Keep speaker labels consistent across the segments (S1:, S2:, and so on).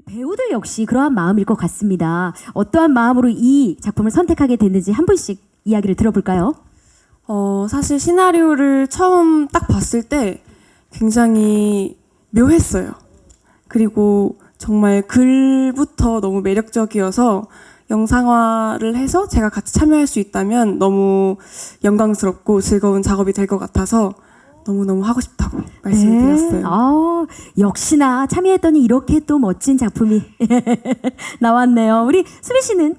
S1: 배우들 역시 그러한 마음일 것 같습니다. 어떠한 마음으로 이 작품을 선택하게 됐는지 한 분씩 이야기를 들어볼까요?
S2: 사실 시나리오를 처음 딱 봤을 때 굉장히 묘했어요. 그리고 정말 글부터 너무 매력적이어서 영상화를 해서 제가 같이 참여할 수 있다면 너무 영광스럽고 즐거운 작업이 될 것 같아서 너무너무 하고 싶다고 말씀을 드렸어요.
S1: 역시나 참여했더니 이렇게 또 멋진 작품이 나왔네요. 우리 수빈 씨는?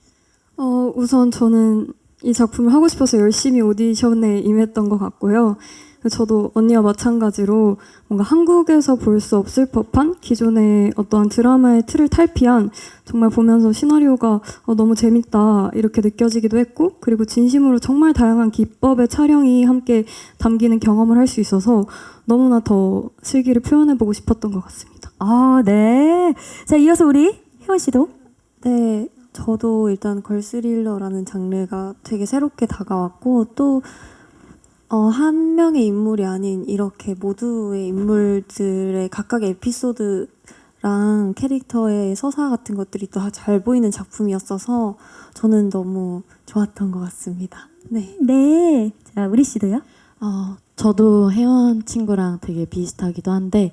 S3: 우선 저는 이 작품을 하고 싶어서 열심히 오디션에 임했던 것 같고요. 저도 언니와 마찬가지로 뭔가 한국에서 볼 수 없을 법한 기존의 어떠한 드라마의 틀을 탈피한 정말 보면서 시나리오가 너무 재밌다 이렇게 느껴지기도 했고, 그리고 진심으로 정말 다양한 기법의 촬영이 함께 담기는 경험을 할 수 있어서 너무나 더 슬기를 표현해보고 싶었던 것 같습니다.
S1: 네. 자, 이어서 우리 혜원 씨도?
S4: 네, 저도 일단 걸스릴러라는 장르가 되게 새롭게 다가왔고 또 한 명의 인물이 아닌 이렇게 모두의 인물들의 각각의 에피소드랑 캐릭터의 서사 같은 것들이 또 잘 보이는 작품이었어서 저는 너무 좋았던 것 같습니다. 네.
S1: 네. 자, 우리 씨도요?
S5: 저도 혜원 친구랑 되게 비슷하기도 한데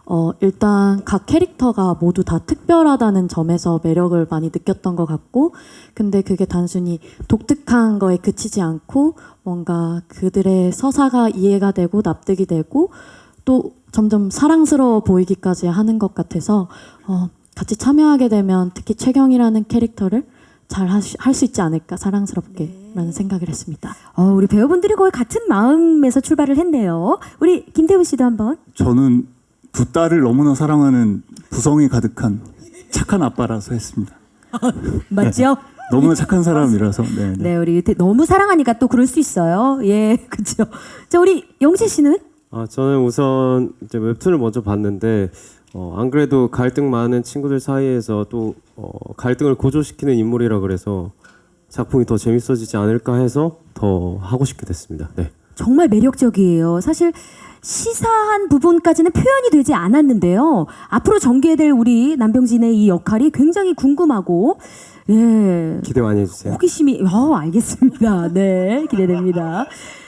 S5: 일단 각 캐릭터가 모두 다 특별하다는 점에서 매력을 많이 느꼈던 것 같고, 근데 그게 단순히 독특한 거에 그치지 않고 뭔가 그들의 서사가 이해가 되고 납득이 되고 또 점점 사랑스러워 보이기까지 하는 것 같아서 같이 참여하게 되면 특히 최경이라는 캐릭터를 잘 할 수 있지 않을까, 사랑스럽게 라는 생각을 했습니다.
S1: 우리 배우분들이 거의 같은 마음에서 출발을 했네요. 우리 김태훈 씨도 한번.
S6: 저는 두 딸을 너무나 사랑하는 부성이 가득한 착한 아빠라서 했습니다.
S1: 맞죠?
S6: 너무나 착한 사람이라서.
S1: 네, 우리 너무 사랑하니까 또 그럴 수 있어요. 예, 그렇죠. 자, 우리 영재 씨는?
S7: 저는 우선 이제 웹툰을 먼저 봤는데 안 그래도 갈등 많은 친구들 사이에서 또 갈등을 고조시키는 인물이라 그래서 작품이 더 재밌어지지 않을까 해서 더 하고 싶게 됐습니다. 네.
S1: 정말 매력적이에요. 사실 시사한 부분까지는 표현이 되지 않았는데요. 앞으로 전개될 우리 남병진의 이 역할이 굉장히 궁금하고, 예.
S7: 기대 많이 해주세요.
S1: 호기심이, 알겠습니다. 네, 기대됩니다.